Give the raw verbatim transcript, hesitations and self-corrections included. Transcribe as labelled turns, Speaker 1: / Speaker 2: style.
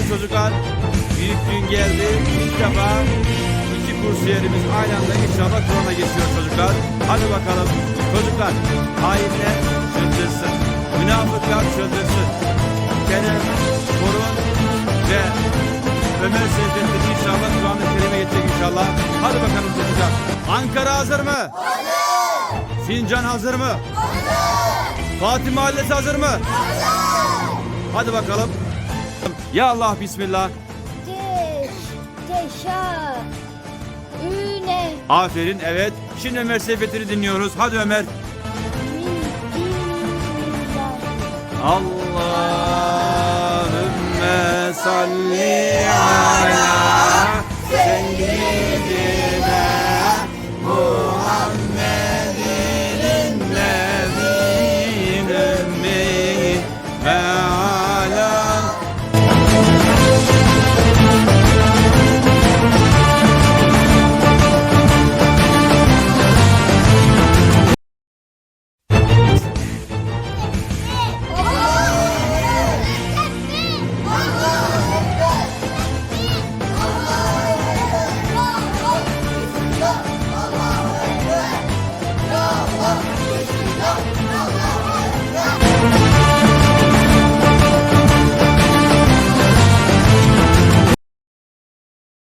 Speaker 1: çocuklar. Büyük gün geldi. İlk defa iki kursiyerimiz aynı anda inşallah Kur'an'a geçiyor çocuklar. Hadi bakalım çocuklar. Hainler çıldırsın. Münafıklar çıldırsın. Kerem, Korun ve Ömer Seyfettin inşallah Kur'an-ı Kerim'e geçecek inşallah. Hadi bakalım çocuklar. Ankara hazır mı? Hazır. Sincan hazır mı? Hazır. Fatih Mahallesi hazır mı? Hazır. Hadi bakalım. Ya Allah bismillah.
Speaker 2: Teş, teşa, üne,
Speaker 1: Aferin evet. Şimdi Ömer Seyfettin'i dinliyoruz. Hadi Ömer.
Speaker 2: min, dinler.
Speaker 1: Allahümme salli ala